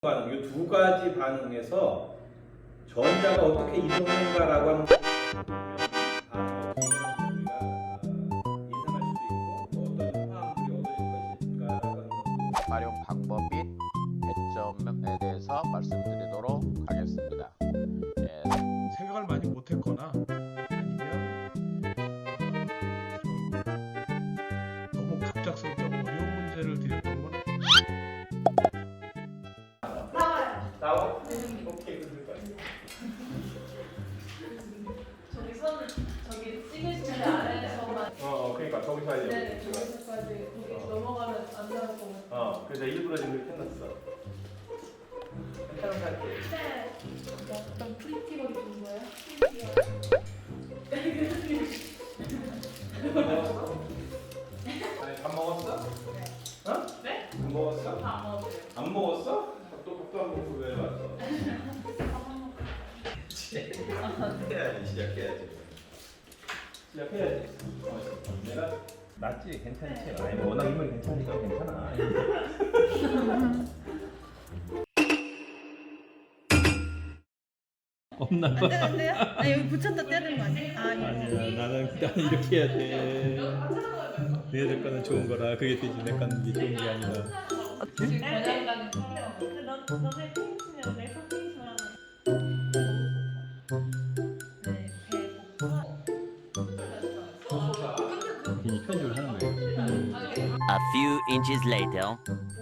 반응, 이 두 가지 반응에서 전자가 어떻게 이동하는가라고 하는 예상할 수도 있고 어떤 화합물이 얻어질 것일까라고 하는 것도 활용 방법 및 배점에 대해서 말씀드리도록 하겠습니다. 생각을 많이 못했거나 아니면 너무 갑작스럽고 어려운 문제를 드렸던 건 나와? 오케이, 그럴 거야. 저기 선을 저기 찍으시는 아래에서만 그러니까 저기서 하려고. 네 저기서까지 거기 넘어가면 안 나올 것 같아요. 그래서 일부러 지금 그렇게 해놨어. 괜찮은 것 같아. 네. 어떤 프리티거리 준 거예요? 아니, 밥 먹었어? 네. 어? 네? 안 먹었어? 안 먹었어요. 안 먹었어? 밥도 안 먹고 왜 왔어? 해야지, 시작해야지. 시작해야지. 내가 낫지, 괜찮지. 아니, 뭐 워낙 인물이 괜찮으니까 괜찮아. 없나 봐. 안 돼요? 아 여기 붙였다 떼야 되는 거 아니에요? 아 이거. 아니야, 나는 이렇게 해야 돼. 얘들 거는 좋은 거라 그게 되지 내 거는 이게 좋은 게 아니라. 지금 번역가는 너네 핑크면 내 핑크면 괜히 편집을 하는 거예요. A few inches later.